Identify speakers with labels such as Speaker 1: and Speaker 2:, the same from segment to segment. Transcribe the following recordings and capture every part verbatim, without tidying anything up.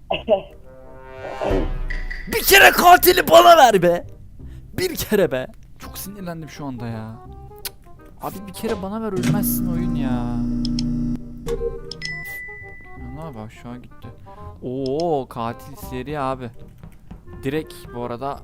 Speaker 1: Bir kere katili bana ver be. Bir kere be. Çok sinirlendim şu anda ya. Abi bir kere bana ver, ölmezsin oyun ya. Ne abi, aşağı gitti. Oo, katil seri abi. Direkt bu arada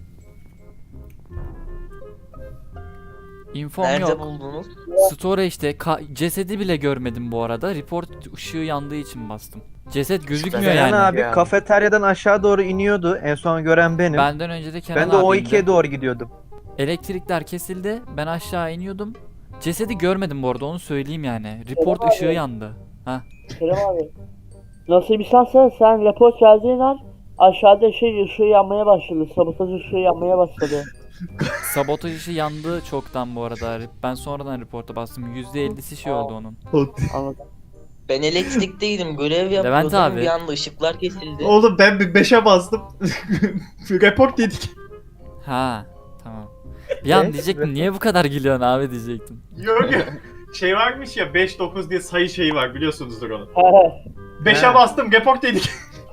Speaker 1: infom
Speaker 2: Nerede
Speaker 1: yok.
Speaker 2: buldunuz?
Speaker 1: Storage'de ka- cesedi bile görmedim bu arada. Report ışığı yandığı için bastım. Ceset gözükmüyor
Speaker 3: Kenan
Speaker 1: yani.
Speaker 3: abi
Speaker 4: Yani.
Speaker 3: kafeteryadan aşağı doğru iniyordu. En son gören benim. Ben,
Speaker 1: Benden önce de Kenan
Speaker 3: de
Speaker 1: abi
Speaker 3: o
Speaker 1: indi.
Speaker 3: ikiye doğru gidiyordum.
Speaker 1: Elektrikler kesildi. Ben aşağı iniyordum. Cesedi görmedim bu arada, onu söyleyeyim yani. Report
Speaker 5: Kerem
Speaker 1: ışığı
Speaker 5: abi.
Speaker 1: yandı. Ha.
Speaker 5: Kerem abi. Nasıl bir şansa sen rapor geldiğin an aşağıda şey ışığı yanmaya başladı. Sabotaj ışığı yanmaya başladı.
Speaker 1: Sabotaj ışığı yandı çoktan bu arada. Ben sonradan reporta bastım. yüzde ellisi şey oldu onun.
Speaker 5: Anladım.
Speaker 2: Ben elektrikteydim, görev yapıyordum.
Speaker 1: Levent abi.
Speaker 2: Bir anda ışıklar kesildi.
Speaker 4: Oğlum ben bir beşe bastım. Report yedik.
Speaker 1: Ha. Tamam. Bir an
Speaker 3: Evet,
Speaker 1: diyecektim niye bu kadar gülüyorsun abi diyecektim.
Speaker 4: Yok ya. Şey varmış ya, beş dokuz diye sayı şeyi var, biliyorsunuzdur onu.
Speaker 5: He.
Speaker 4: beşe
Speaker 3: He.
Speaker 4: bastım, report yedik.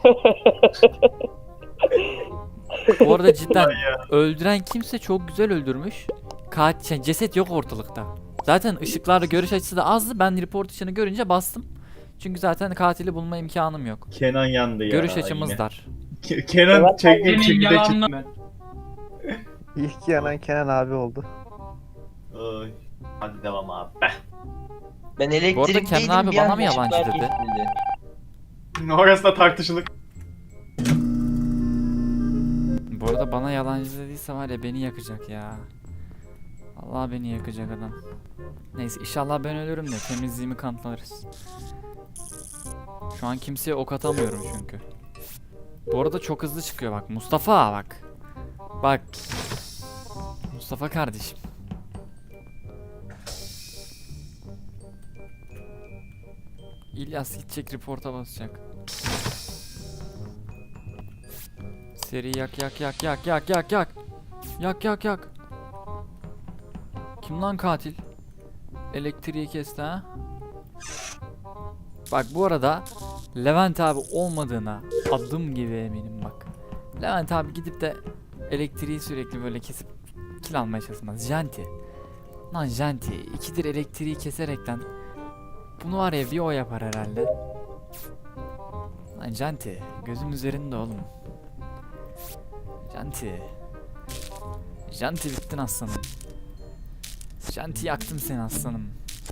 Speaker 1: Bu arada cidden
Speaker 4: Ay ya.
Speaker 1: öldüren kimse çok güzel öldürmüş. Katil, şey, ceset yok ortalıkta. Zaten ışıklarda görüş açısı da azdı. Ben report ışığını görünce bastım. Çünkü zaten katili bulma imkanım yok.
Speaker 4: Kenan yandı ya.
Speaker 1: Görüş açımız
Speaker 4: yine.
Speaker 1: dar.
Speaker 4: Ke- Kenan
Speaker 5: Evet,
Speaker 4: çekti
Speaker 6: Senin
Speaker 4: içinde
Speaker 6: yalanla-
Speaker 4: çıktı.
Speaker 3: İlk yanan Kenan abi oldu.
Speaker 4: Ay. Hadi devam abi.
Speaker 2: Ben elektrikteydim.
Speaker 1: Kenan abi
Speaker 2: bir
Speaker 1: bana
Speaker 2: anda
Speaker 1: mı yabancı
Speaker 2: ışıklar
Speaker 1: dedi?
Speaker 2: kesildi.
Speaker 4: Orası da tartışılır.
Speaker 1: Bu arada bana yalancı dediyse var ya, beni yakacak ya. Allah, beni yakacak adam. Neyse, inşallah ben ölürüm de temizliğimi kanıtlarız. Şu an kimseye ok atamıyorum çünkü. Bu arada çok hızlı çıkıyor bak. Mustafa bak. Bak. Mustafa kardeşim. İlyas gidecek, reporta basacak. Seri yak yak yak yak yak yak yak. Yak yak yak. Kim lan katil? Elektriği kesti ha. Bak bu arada Levent abi olmadığına adım gibi eminim bak. Levent abi gidip de elektriği sürekli böyle kesip kill almaya çalışmaz. Janti. Lan Janti ikidir elektriği keserekten bunu var ya bir o yapar herhalde. Lan Janti gözüm üzerinde oğlum. Janti. Janti bittin aslanım. Janti yaktım seni aslanım.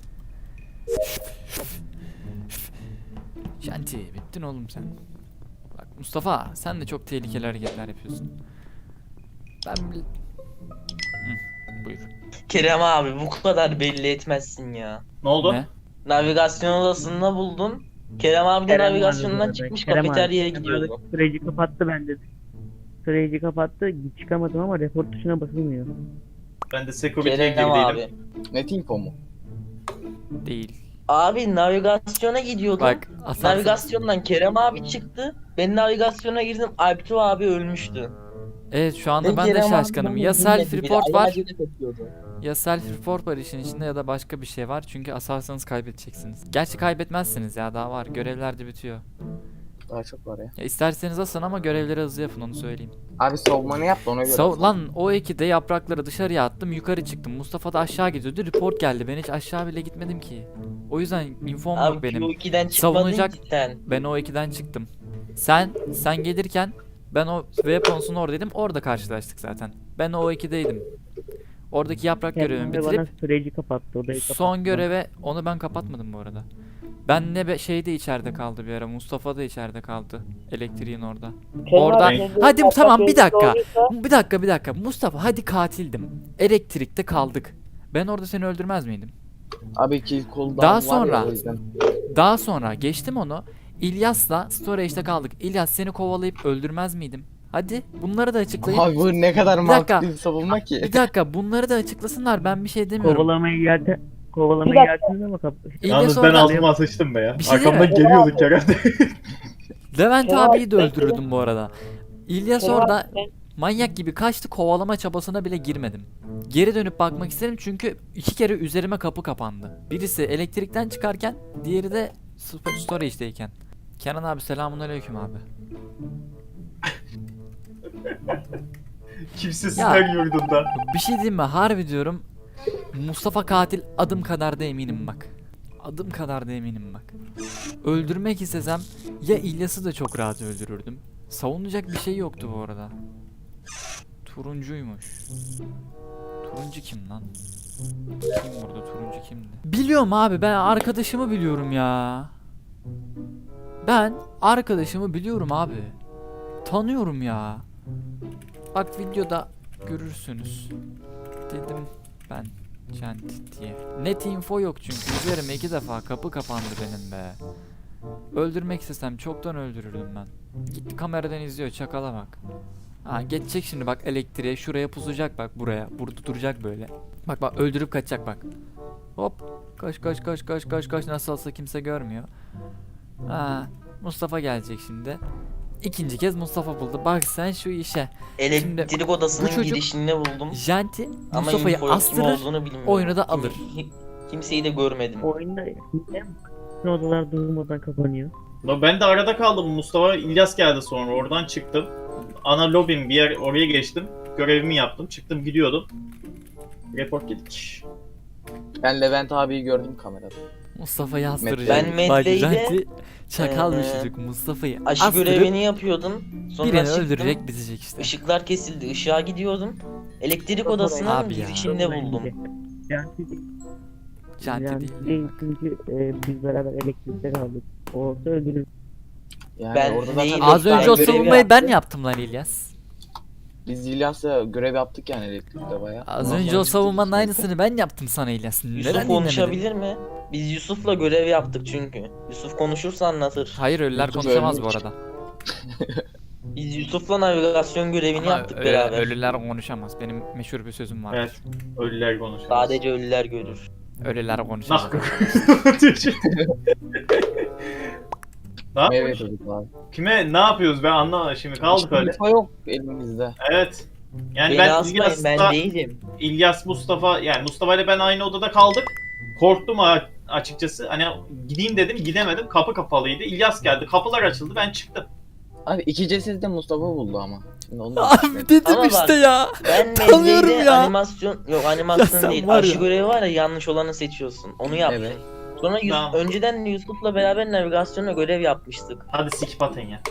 Speaker 1: Janti bittin oğlum sen. Bak Mustafa sen de çok tehlikeli hareketler yapıyorsun. Ben bil... Hı, buyur.
Speaker 2: Kerem abi bu kadar belli etmezsin ya.
Speaker 4: Ne oldu?
Speaker 1: Ne?
Speaker 2: Navigasyon odasında buldum. Kerem abi de
Speaker 5: Kerem
Speaker 2: navigasyondan
Speaker 5: abi,
Speaker 2: çıkmış,
Speaker 5: Kerem abi,
Speaker 2: kafeteryaya
Speaker 5: Kerem
Speaker 2: gidiyordu.
Speaker 5: abi Süreci kapattı bende. Süreci kapattı. Çıkamadım ama report tuşuna basılmıyor.
Speaker 4: Ben de security'ye
Speaker 2: Kerem abi.
Speaker 4: girdiydim.
Speaker 6: Net info mu?
Speaker 1: Değil.
Speaker 2: Abi navigasyona gidiyordum.
Speaker 1: Bak asansör...
Speaker 2: Navigasyondan Kerem abi çıktı. Ben navigasyona girdim. Alptu abi ölmüştü.
Speaker 1: Evet şu anda
Speaker 2: Ben
Speaker 1: ben de
Speaker 2: Kerem
Speaker 1: şaşkınım.
Speaker 2: abiden
Speaker 1: Ya
Speaker 2: özür
Speaker 1: self
Speaker 2: diledi,
Speaker 1: report
Speaker 2: biri
Speaker 1: var
Speaker 2: ayağına takıyordu.
Speaker 1: ya self report var işin içinde ya da başka bir şey var. Çünkü asarsanız kaybedeceksiniz. Gerçi kaybetmezsiniz ya, daha var. Görevler de bitiyor.
Speaker 6: Daha çok var ya.
Speaker 1: Ya isterseniz asın ama görevleri hızlı yapın, onu söyleyeyim.
Speaker 6: Abi savunmanı yap da ona göre.
Speaker 1: So, lan o ikide yaprakları dışarıya attım, yukarı çıktım. Mustafa da aşağı gidiyordu. Report geldi. Ben hiç aşağı bile gitmedim ki. O yüzden infom yok
Speaker 2: Abi
Speaker 1: benim.
Speaker 2: Q iki'den çıkmadın
Speaker 1: Savunacak-
Speaker 2: ki sen.
Speaker 1: Ben o ikiden çıktım. Sen sen gelirken ben o weapons'un oradaydım. Orada karşılaştık zaten. Ben o ikideydim. Oradaki yaprak görevimi
Speaker 5: Kerem abi
Speaker 1: bitirip
Speaker 5: bana süreci kapattı. Odayı kapattı.
Speaker 1: son göreve, onu ben kapatmadım bu arada. Ben ne be, şey de içeride kaldı bir ara. Mustafa da içeride kaldı. Elektriğin orada.
Speaker 5: Kerem
Speaker 1: Orada-
Speaker 5: abi kendi
Speaker 1: Hadi
Speaker 5: kapat
Speaker 1: tamam, bir
Speaker 5: yerinde
Speaker 1: dakika.
Speaker 5: olduysa-
Speaker 1: Bir dakika bir dakika. Mustafa hadi katildim. Elektrikte kaldık. Ben orada seni öldürmez miydim?
Speaker 6: Abi kill cooldown
Speaker 1: Daha
Speaker 6: var
Speaker 1: sonra-
Speaker 6: ya, o yüzden.
Speaker 1: Daha sonra geçtim onu. İlyas'la storage'de kaldık. İlyas seni kovalayıp öldürmez miydim? Hadi bunları da açıklayın.
Speaker 6: Abi bu ne kadar
Speaker 1: Bir dakika.
Speaker 6: mantıklı bir savunma ki.
Speaker 1: Bir dakika bunları da açıklasınlar, ben bir şey demiyorum.
Speaker 5: Kovalamayı yerde kovalamayı
Speaker 1: Bir dakika.
Speaker 5: yersiniz ama kap
Speaker 1: İlyas
Speaker 4: Yalnız ben
Speaker 1: orada-
Speaker 4: altıma sıçtım be ya.
Speaker 1: Bir şey
Speaker 4: Arkamdan
Speaker 1: diyeyim mi?
Speaker 4: geliyorduk herhalde.
Speaker 1: Levent
Speaker 5: Kerem
Speaker 1: abiyi de
Speaker 5: abi,
Speaker 1: öldürürdüm bu arada. İlyas
Speaker 5: Kerem
Speaker 1: orada
Speaker 5: abi, sen-
Speaker 1: manyak gibi kaçtı, kovalama çabasına bile girmedim. Geri dönüp bakmak istedim çünkü iki kere üzerime kapı kapandı. Birisi elektrikten çıkarken, diğeri de sto- storage'deyken. Kenan abi selamünaleyküm abi.
Speaker 4: Kimsesizler yurdunda.
Speaker 1: Bir şey diyeyim mi? Harbi diyorum. Mustafa katil adım kadar da eminim bak. Adım kadar da eminim bak. Öldürmek istesem ya İlyas'ı da çok rahat öldürürdüm. Savunacak bir şey yoktu bu arada. Turuncuymuş. Turuncu kim lan? Kim burada turuncu kimdi? Biliyorum abi, ben arkadaşımı biliyorum ya. Ben arkadaşımı biliyorum abi. Tanıyorum ya. Bak videoda görürsünüz. Dedim ben Janti diye. Net info yok çünkü üzerime iki defa kapı kapandı benim be. Öldürmek istesem çoktan öldürürdüm ben. Gitti kameradan izliyor, çakala bak. Ha geçecek şimdi bak elektriğe, şuraya pusacak bak, buraya. Burada duracak böyle. Bak bak öldürüp kaçacak bak. Hop koş koş koş koş koş koş, nasıl olsa kimse görmüyor. Ha Mustafa gelecek şimdi. İkinci kez Mustafa buldu. Bak sen şu işe.
Speaker 2: Elektrik odasının
Speaker 1: bu çocuk-
Speaker 2: girişinde buldum.
Speaker 1: Janti
Speaker 2: Ama
Speaker 1: Mustafa'yı
Speaker 2: info kim
Speaker 1: astırır,
Speaker 2: olduğunu bilmiyorum.
Speaker 1: oyunu da alır.
Speaker 2: Kim- Kimseyi de görmedim.
Speaker 5: Oyunda ne odalar durmadan kapanıyor.
Speaker 4: Lan ben de arada kaldım. Mustafa İlyas geldi sonra. Oradan çıktım. Ana lobim bir yer, oraya geçtim. Görevimi yaptım. Çıktım gidiyordum. Report yedik.
Speaker 6: Ben Levent abiyi gördüm kamerada.
Speaker 1: Mustafa'yı astıracak.
Speaker 2: Ben
Speaker 1: Bak
Speaker 2: Medve'yle,
Speaker 1: Janti çakal bir
Speaker 2: eee,
Speaker 1: çocuk. Mustafa'yı
Speaker 2: Aşı
Speaker 1: astırıp
Speaker 2: görevini yapıyordum. Sonra
Speaker 1: birini
Speaker 2: çıktım.
Speaker 1: öldürecek, bitecek işte.
Speaker 2: Işıklar kesildi. Işığa gidiyordum. Elektrik odasının
Speaker 1: Abi ya.
Speaker 2: girişinde buldum.
Speaker 1: Janti değil.
Speaker 5: Çünkü e, biz beraber elektrikte kaldık. O olsa öldürür.
Speaker 6: Yani
Speaker 2: Ben
Speaker 6: orada
Speaker 2: neyi-
Speaker 6: zaten
Speaker 1: Az
Speaker 2: Ben
Speaker 1: önce o
Speaker 2: görevi
Speaker 1: savunmayı ben
Speaker 2: yaptım.
Speaker 1: yaptım lan İlyas.
Speaker 6: biz İlyas'la görev yaptık yani elektrikte bayağı.
Speaker 1: Az
Speaker 6: Ondan
Speaker 1: önce
Speaker 6: sonra
Speaker 1: o savunmanın
Speaker 6: çıktık.
Speaker 1: aynısını ben yaptım sana İlyas. Neden
Speaker 2: Yusuf
Speaker 1: dinlemedin?
Speaker 2: konuşabilir mi? Biz Yusuf'la görev yaptık çünkü. Yusuf konuşursa anlatır.
Speaker 1: Hayır, ölüler
Speaker 6: Yusuf
Speaker 1: konuşamaz bu
Speaker 6: ölmüş.
Speaker 1: arada.
Speaker 2: Biz Yusuf'la navigasyon görevini
Speaker 1: Ama
Speaker 2: yaptık
Speaker 1: ö-
Speaker 2: beraber.
Speaker 1: ölüler konuşamaz. Benim meşhur bir sözüm var.
Speaker 4: Evet. Ölüler konuşuyor.
Speaker 2: Sadece ölüler görür.
Speaker 1: Ölüler konuşamaz.
Speaker 4: Nah. Ne
Speaker 6: Meyve
Speaker 4: yapıyoruz?
Speaker 6: çocuk abi.
Speaker 4: Kime ne yapıyoruz ben anlamadım şimdi kaldık öyle.
Speaker 6: Info yok elimizde.
Speaker 4: Evet. Yani
Speaker 2: Beni
Speaker 4: ben
Speaker 2: asmayın, ben
Speaker 4: İlyas'la
Speaker 2: değilim.
Speaker 4: İlyas Mustafa yani Mustafa ile ben aynı odada kaldık. Korktum a- açıkçası. Hani gideyim dedim gidemedim. Kapı kapalıydı. İlyas geldi. Kapılar açıldı. Ben çıktım.
Speaker 6: Abi iki ceset de Mustafa buldu ama. Şimdi onu da
Speaker 1: Abi dedim
Speaker 2: Ama bak,
Speaker 1: işte ya.
Speaker 2: Ben
Speaker 1: Tanıyorum
Speaker 2: Medve'yle
Speaker 1: ya.
Speaker 2: animasyon yok
Speaker 1: Ya
Speaker 2: animasyon
Speaker 1: sen
Speaker 2: değil.
Speaker 1: var
Speaker 2: Aşı
Speaker 1: ya.
Speaker 2: görevi var ya, yanlış olanı seçiyorsun. Onu yaptım.
Speaker 6: Evet.
Speaker 2: Sonra Yus-
Speaker 4: Tamam.
Speaker 2: önceden Yusuf'la beraber navigasyonla görev yapmıştık.
Speaker 4: Hadi sikip atın ya.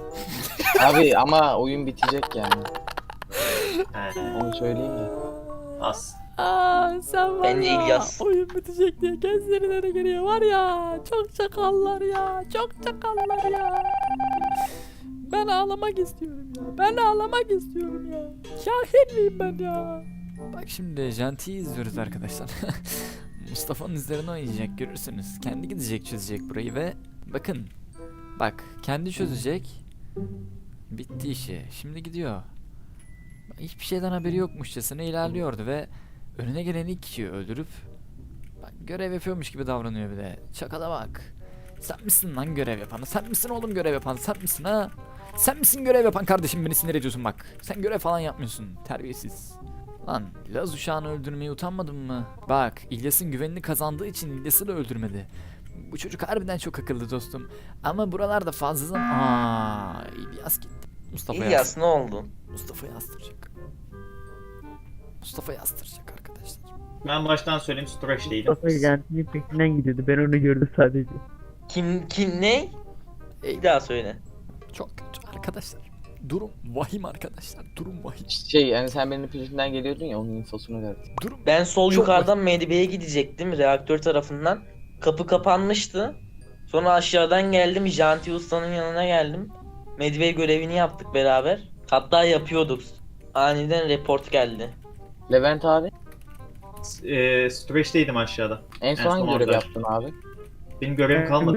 Speaker 6: Abi ama oyun bitecek yani.
Speaker 4: Evet.
Speaker 6: Onu söyleyeyim de.
Speaker 4: Az.
Speaker 1: Aa, sen var
Speaker 2: Bence
Speaker 1: ya.
Speaker 2: İlyas.
Speaker 1: Oyun bitecek diye gözlerine de geliyor var ya. Çok çakallar ya. Çok çakallar ya. Ben ağlamak istiyorum ya. Ben ağlamak istiyorum ya. Şahit miyim ben ya? Bak şimdi Janti'yi izliyoruz arkadaşlar. Mustafa'nın üzerine oynayacak, görürsünüz. Kendi gidecek, çözecek burayı ve bakın. Bak kendi çözecek. Bitti işi. Şimdi gidiyor. Hiçbir şeyden haberi yokmuşçasına ilerliyordu ve önüne gelen ilk kişiyi öldürüp bak, görev yapıyormuş gibi davranıyor bir de. Çakala bak. Sen misin lan görev yapan? Sen misin oğlum görev yapan? Sen misin ha? Sen misin görev yapan kardeşim, beni sinir ediyorsun bak. Sen görev falan yapmıyorsun. Terbiyesiz. Lan Laz uşağını öldürmeye utanmadın mı? Bak İlyas'ın güvenini kazandığı için İlyas'ı da öldürmedi. Bu çocuk harbiden çok akıllı dostum. Ama buralarda fazla zaman... Aaa İlyas gitti. Mustafa
Speaker 2: İlyas ne oldu?
Speaker 1: Mustafa'yı astıracak. Mustafa'yı astıracak arkadaşlar.
Speaker 4: Ben baştan söyleyeyim Stretch değilim.
Speaker 5: Mustafa Janti'nin peşinden gidiyordu. Ben onu gördüm sadece.
Speaker 2: Kim kim ne? Bir daha söyle.
Speaker 1: Çok kötü arkadaşlar. Durum vahim arkadaşlar. Durum vahim.
Speaker 6: Şey yani sen benim peşimden geliyordun ya onun infosunu verdin.
Speaker 1: Durum
Speaker 2: Ben sol
Speaker 1: Çok
Speaker 2: yukarıdan Medve'ye gidecektim reaktör tarafından. Kapı kapanmıştı. Sonra aşağıdan geldim, Janti Usta'nın yanına geldim. Medve görevini yaptık beraber. Hatta yapıyorduk. Aniden report geldi.
Speaker 6: Levent abi
Speaker 4: Eee Stretch'teydim aşağıda.
Speaker 6: en
Speaker 4: En
Speaker 6: son
Speaker 4: son
Speaker 6: hangi görev
Speaker 4: orada.
Speaker 6: yaptın abi?
Speaker 4: Benim görevim kalmadı.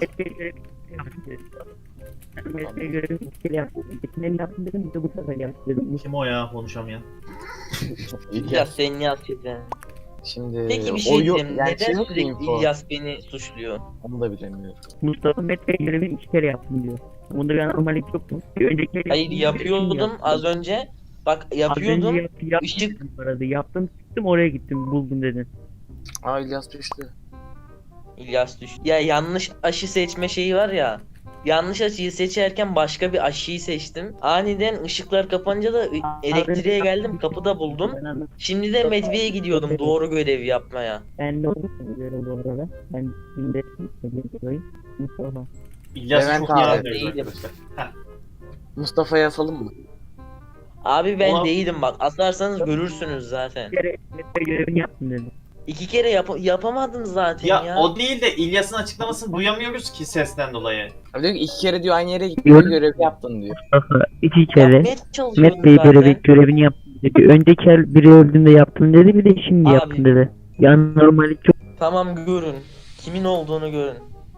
Speaker 5: Mesleğe göre bir kere yaptım. İkisini yaptım dedim, bir de bu sefer yaptım dedim.
Speaker 4: Kim o ya konuşamayan?
Speaker 2: İlyas sen ne yapıyorsun?
Speaker 6: Şimdi
Speaker 2: Peki bir şey
Speaker 6: o yok-
Speaker 2: diyeceğim.
Speaker 6: yani
Speaker 2: Neden
Speaker 6: şey yok
Speaker 2: sürekli
Speaker 6: info.
Speaker 2: İlyas beni suçluyor?
Speaker 6: Onu da bilemiyorum.
Speaker 5: Mustafa Mesleğe göre iki kere yaptım diyor. Bunda bir anormallik yok mu? Bir önceki
Speaker 2: Hayır yapıyordum az önce. Bak yapıyordum.
Speaker 5: Yap, yap,
Speaker 2: Işık-
Speaker 5: Aradı. Yaptım, çıktım oraya gittim, buldum dedin.
Speaker 6: Aa İlyas düştü.
Speaker 2: İlyas düş. Ya yanlış aşı seçme şeyi var ya. yanlış açıyı seçerken başka bir açıyı seçtim. Aniden ışıklar kapanınca da ı- elektriğe geldim, kapıda buldum. Şimdi de Medve'ye gidiyordum doğru görevi yapmaya.
Speaker 7: Ben de onu söylüyorum bu arada. Ben şimdi Mustafa.
Speaker 4: İlyas'ı
Speaker 6: Levent
Speaker 4: çok
Speaker 6: abi.
Speaker 4: iyi anlıyoruz
Speaker 2: Değilim.
Speaker 4: arkadaşlar. Heh.
Speaker 6: Mustafa'ya asalım mı?
Speaker 2: Abi ben
Speaker 4: Ulan-
Speaker 2: değilim bak, asarsanız görürsünüz zaten.
Speaker 7: Bir kere Mete görevini yaptım dedi.
Speaker 2: İki kere yap yapamadım zaten ya.
Speaker 4: Ya o değil de İlyas'ın açıklamasını duyamıyoruz ki sesten dolayı.
Speaker 6: Abi diyor ki iki kere diyor aynı yere gittin görevi yaptın diyor.
Speaker 7: Mustafa iki kere
Speaker 2: Yapmaya çalışıyordum
Speaker 7: Met Bey
Speaker 2: zaten.
Speaker 7: görevi, görevini yaptım dedi. Önceki el biri öldüğünde yaptım dedi, bir de şimdi
Speaker 2: Abi.
Speaker 7: yaptım dedi. Yani normali çok
Speaker 2: Tamam görün. Kimin olduğunu görün.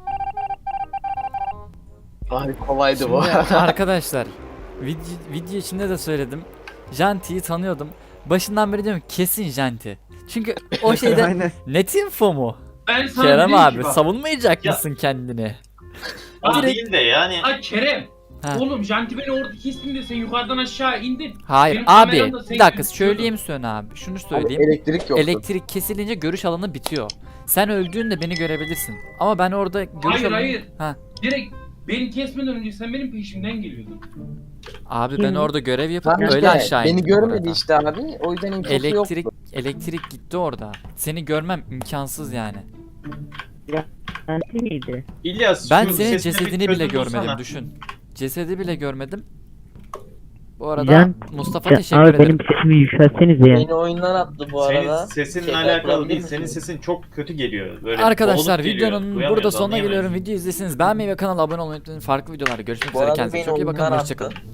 Speaker 6: Abi kolaydı bu.
Speaker 1: Şimdi arkadaşlar video, video içinde de söyledim. Janti'yi tanıyordum. Başından beri diyorum kesin Janti. Çünkü o şeyde
Speaker 3: Aynen.
Speaker 1: net info mu?
Speaker 8: Ben sana
Speaker 1: Kerem
Speaker 8: dedim ki
Speaker 1: abi
Speaker 8: bak,
Speaker 1: savunmayacak
Speaker 4: Ya-
Speaker 1: mısın kendini?
Speaker 4: O
Speaker 1: Direkt-
Speaker 4: değil de yani.
Speaker 8: Ay Kerem.
Speaker 1: Ha.
Speaker 8: Oğlum Janti beni orada kestin de sen yukarıdan aşağı indin.
Speaker 1: Hayır
Speaker 8: Benim
Speaker 1: abi
Speaker 8: kameramda
Speaker 1: bir
Speaker 8: seni
Speaker 1: dakika
Speaker 8: gözüküyordu.
Speaker 1: söyleyeyim Söne abi. Şunu
Speaker 6: Abi
Speaker 1: söyleyeyim.
Speaker 6: elektrik yoktu.
Speaker 1: Elektrik kesilince görüş alanı bitiyor. Sen öldüğünde beni görebilirsin. Ama ben orada görüş
Speaker 8: Hayır,
Speaker 1: alanı...
Speaker 8: hayır.
Speaker 1: Ha.
Speaker 8: Direkt beni kesmeden önce sen benim peşimden geliyordun.
Speaker 1: Abi ben orada görev yapıp
Speaker 6: Tamam
Speaker 1: öyle
Speaker 6: işte,
Speaker 1: aşağı indim
Speaker 6: beni görmedi
Speaker 1: orada.
Speaker 6: işte abi. O yüzden infosu
Speaker 1: Elektrik
Speaker 6: yoktu.
Speaker 1: elektrik gitti orada. Seni görmem imkansız yani.
Speaker 7: Anti miydi?
Speaker 4: İlyas
Speaker 1: Ben
Speaker 4: şu
Speaker 1: senin
Speaker 4: sesine bir
Speaker 1: cesedini bile
Speaker 4: çözüm
Speaker 1: görmedim
Speaker 4: bulsana.
Speaker 1: düşün. Cesedi bile görmedim. Bu arada
Speaker 7: Can-
Speaker 1: Mustafa
Speaker 7: Can-
Speaker 1: teşekkür
Speaker 7: abi
Speaker 1: ederim.
Speaker 7: benim sesimi yükseltsenize ya.
Speaker 2: Beni oyundan attı bu
Speaker 4: Senin
Speaker 2: arada.
Speaker 4: sesinle
Speaker 2: Tekrar
Speaker 4: alakalı
Speaker 2: kurabilir
Speaker 4: değil. Senin
Speaker 2: misiniz?
Speaker 4: sesin çok kötü geliyor. Böyle
Speaker 1: Arkadaşlar
Speaker 4: boğulup geliyor.
Speaker 1: videonun
Speaker 4: Duyamıyoruz,
Speaker 1: burada sonuna
Speaker 4: anlayamayız.
Speaker 1: geliyorum. Video izlesiniz. Beğenmeyi ve kanala abone olmayı unutmayın. Farklı videolarda görüşmek
Speaker 2: Bu
Speaker 1: üzere.
Speaker 2: arada
Speaker 1: Kendinize
Speaker 2: beni
Speaker 1: çok iyi bakın.
Speaker 2: oyundan
Speaker 1: Hoşçakalın.
Speaker 2: attı.